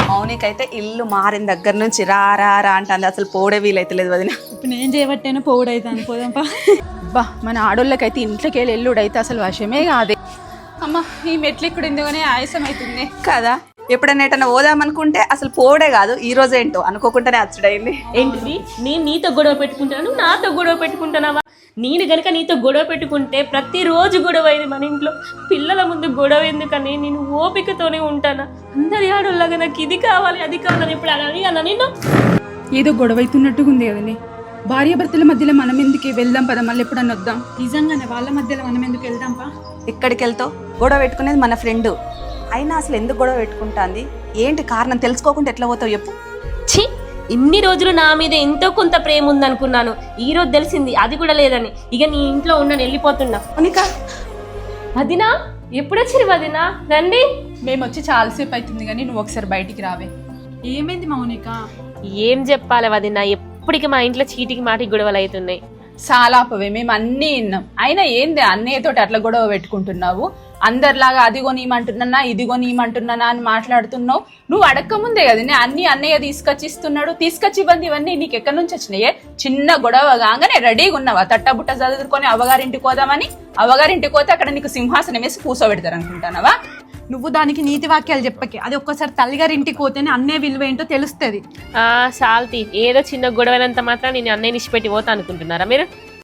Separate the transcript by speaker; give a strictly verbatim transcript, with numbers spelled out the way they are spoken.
Speaker 1: మౌనికైతే ఇల్లు మారిన దగ్గర నుంచి రా రా రా అంటే అసలు పోడే వీలైతలేదు వదిన.
Speaker 2: ఇప్పుడు నేను చేయబట్టేనా పోవుడైతాను పోదాంపా.
Speaker 3: బా మన ఆడోళ్ళకైతే ఇంట్లోకి వెళ్ళి ఎల్లుడైతే అసలు వశమే కాదే. అమ్మ ఈ మెట్లు ఇక్కడ ఎందుకనే ఆయాసం అవుతుంది
Speaker 1: కదా. ఎప్పుడైనా ఎటన్నా పోదామనుకుంటే అసలు పోడే కాదు, ఈ రోజు ఏంటో అనుకోకుండానే అచ్చుడైంది.
Speaker 4: ఏంటిది నేను నీతో గొడవ పెట్టుకుంటాను, నాతో గొడవ పెట్టుకుంటానావా? నేను గనుక నీతో గొడవ పెట్టుకుంటే ప్రతిరోజు గొడవ అయింది మన ఇంట్లో. పిల్లల ముందు గొడవ ఎందుకని నేను ఓపికతోనే ఉంటానా? అందరి ఆడోళ్ళగా నాకు ఇది కావాలి అది కావాలని ఇప్పుడు అని అన్నా నిన్ను.
Speaker 3: ఏదో గొడవ అవుతున్నట్టుగా ఉంది కదండి. భార్య భర్తల మధ్యలో మనం ఎందుకు వెళ్దాం పద, మళ్ళీ ఎప్పుడన్నా వద్దాం.
Speaker 2: నిజంగానే వాళ్ళ మధ్యలో మనం ఎందుకు వెళ్దాంపా?
Speaker 1: ఎక్కడికి వెళ్తావు? గొడవ పెట్టుకునేది మన ఫ్రెండ్ అయినా అసలు ఎందుకు గొడవ పెట్టుకుంటాంది, ఏంటి కారణం తెలుసుకోకుండా ఎట్లా పోతావు చెప్పు.
Speaker 4: ఛీ, ఇన్ని రోజులు నా మీద ఎంతో కొంత ప్రేమ ఉందనుకున్నాను, ఈ రోజు తెలిసింది అది కూడా లేదని. ఇక నీ ఇంట్లో ఉన్నాను, వెళ్ళిపోతున్నా.
Speaker 1: మౌనిక
Speaker 4: వదినా ఎప్పుడు వచ్చిరు వదినా? రండి.
Speaker 3: మేము వచ్చి చాలాసేపు అవుతుంది కానీ నువ్వు ఒకసారి బయటికి రావే.
Speaker 2: ఏమైంది మౌనిక?
Speaker 4: ఏం చెప్పాలి వదినా, ఎప్పటికీ మా ఇంట్లో చీటికి మాటికి గొడవలు అవుతున్నాయి.
Speaker 3: సాలాపవే, మేము అన్నీ విన్నాం. అయినా ఏంది అన్నయ్యతోటి అట్లా గొడవ పెట్టుకుంటున్నావు? అందరిలాగా అది కొనియమంటున్నా ఇది కొనియమంటున్నానా అని మాట్లాడుతున్నావు. నువ్వు అడక్కముందే కదా నేను అన్ని అన్నయ్య తీసుకొచ్చి ఇస్తున్నాడు, తీసుకొచ్చి ఇవ్వండి. ఇవన్నీ నీకు ఎక్కడి నుంచి వచ్చినాయే? చిన్న గొడవ కాగానే రెడీగా ఉన్నావా తట్టబుట్ట చదువుకొని అవ్వగారింటికి పోదామని? అవ్వగారింటికి పోతే అక్కడ నీకు సింహాసనం వేసి కూర్చోబెడతారు అనుకుంటానవా?
Speaker 2: నువ్వు దానికి నీతి వాక్యాలు చెప్పకే. అది ఒక్కసారి తల్లిగారి ఇంటికి పోతేనే అన్నే విలువ ఏంటో తెలుస్తుంది.
Speaker 4: ఆ శాల్తి, ఏదో చిన్న గొడవనంత మాత్రం నేను అన్నయ్య నిష్పెట్టి పోతా అనుకుంటున్నారా మీరు?